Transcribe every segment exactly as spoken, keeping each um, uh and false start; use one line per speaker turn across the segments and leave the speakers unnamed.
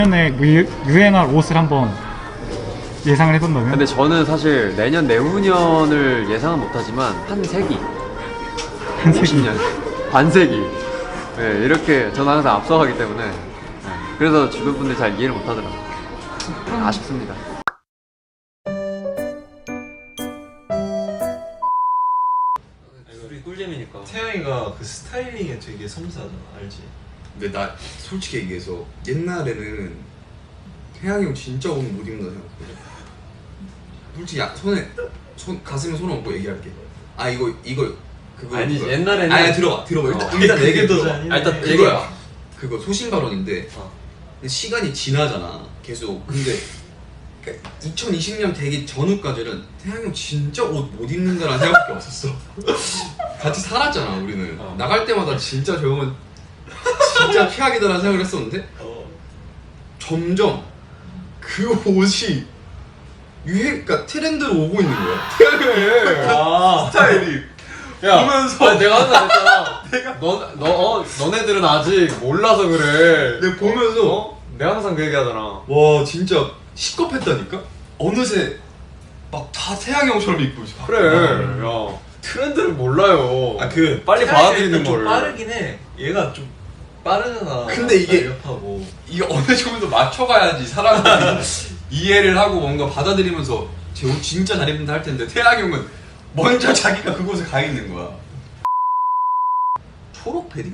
내년에 유, 유행할 옷을 한번 예상을 해본다면?
근데 저는 사실 내년 내후년을 예상은 못하지만 한 세기
한 세기?
오십 년 반세기 네, 이렇게 저는 항상 앞서가기 때문에 네, 그래서 주변 분들이 잘 이해를 못하더라고요. 네, 아쉽습니다.
우리 꿀잼이니까.
태양이가 그 스타일링에 되게 섬세하잖아, 알지?
근데 나 솔직히 얘기해서 옛날에는 태양이 형 진짜 옷 못 입는다 생각했거든. 솔직히 야, 손에 손 가슴에 손 얹고 얘기할게. 아 이거 이거 그거
아니지,
그거.
옛날에는-
아니 들어봐 들어봐 일단
어.
일단 내 얘기
그게 더
들어봐.
잔인해.
아, 일단
얘기해.
그거야. 그거 소신 발언인데
어.
근데 시간이 지나잖아 계속. 근데 그러니까 이천이십 년 되기 전후까지는 태양이 형 진짜 옷 못 입는다라는 생각밖에 없었어. 같이 살았잖아 우리는.
어.
나갈 때마다 진짜 저 형은 진짜 최악이다라는 생각을 했었는데
어.
점점 그 옷이 유행, 그러니까 트렌드로 오고 있는 거야. 태양의
아,
스타일이.
야,
보면서
아니, 내가 항상 했잖아. 내가 너, 너, 어, 너네들은 아직 몰라서 그래.
내가 보면서
어? 내가 항상 그 얘기하잖아.
와 진짜 시겁했다니까. 어느새 막 다 태양이 형처럼 입고 있어.
그래. 야, 트렌드를 몰라요.
아 그
빨리 받아들이는
좀
걸.
빠르긴 해. 얘가 좀 빠르잖아.
근데 이게-
옆하고.
이게 어느 정도 맞춰가야지 사람들이 이해를 하고 뭔가 받아들이면서 제 옷 진짜 잘 입는다 할 텐데 태양이 형은 먼저 자기가 그곳에 가 있는 거야. 초록 패딩?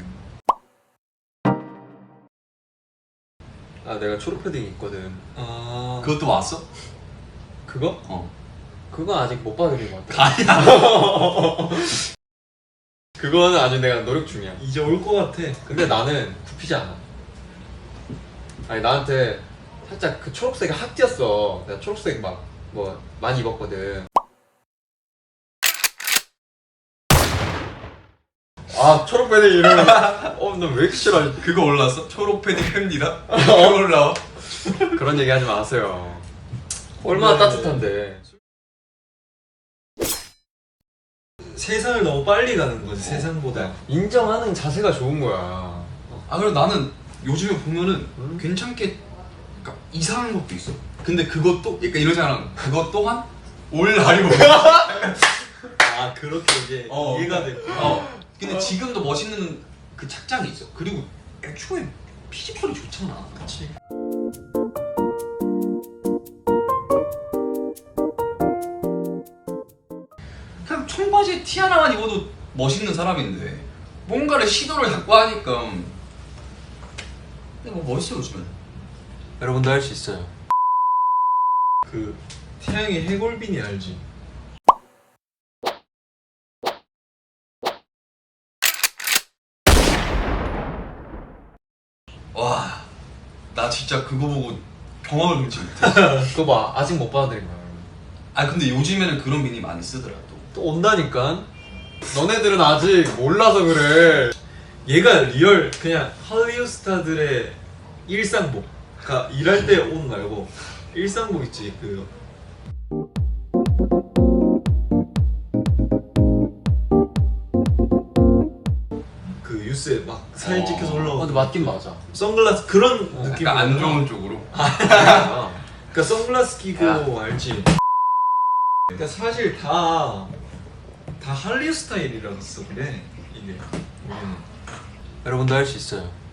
아, 내가 초록 패딩 있거든.
아,
그것도 왔어?
그거?
어.
그건 아직 못 받아들인 것 같아. 아니야. 그거는 아직 내가 노력 중이야.
이제 올 것 같아.
근데 나는 굽히지 않아. 아니, 나한테 살짝 그 초록색이 확 띄었어. 내가 초록색 막 뭐 많이 입었거든. 아, 초록 패딩 이러면 어, 나 왜 이렇게 싫어하지?
그거 올랐어? 초록 패딩 팬디다? 그거 올라와?
그런 얘기 하지 마세요. 얼마나
네.
따뜻한데.
세상을 너무 빨리 가는 거지, 세상보다.
인정하는 자세가 좋은 거야.
아 그래 나는 요즘에 보면은
음?
괜찮게 그러니까 이상한 것도 있어. 근데 그것도 그러니까 이러잖아. 그것 또한 올 날이 오고.
아, 그렇게 이제
어.
이해가 됐고.
어. 근데 지금도 멋있는 그 착장이 있어. 그리고 애초에 피지컬이 좋잖아.
그치.
그냥 청바지에 티 하나만 입어도 멋있는 사람인데 뭔가를 시도를 자꾸 하니까 근데 뭐 멋있어 요즘은.
여러분도 할 수 있어요.
그 태양이 해골빈이 알지?
와, 나 진짜 그거 보고 경험을 금치 못해.
그거 봐, 아직 못 받아들인 거야.
아 근데 요즘에는 그런 미니 많이 쓰더라 또.
또 온다니까. 너네들은 아직 몰라서 그래.
얘가 리얼 그냥 할리우드 스타들의 일상복. 그러니까 일할 때 옷 말고 일상복 있지 그. 그 뉴스에 막 사진
어.
찍혀서 올라오고.
어, 근데 맞긴 맞아.
선글라스 그런 느낌.
약간 안 좋은 쪽으로.
아,
그러니까 선글라스 끼고
야.
알지. 그러니까 사실 다 다 할리우드 스타일이라서 그래 이게. 우리는.
여러분도 할 수 있어요.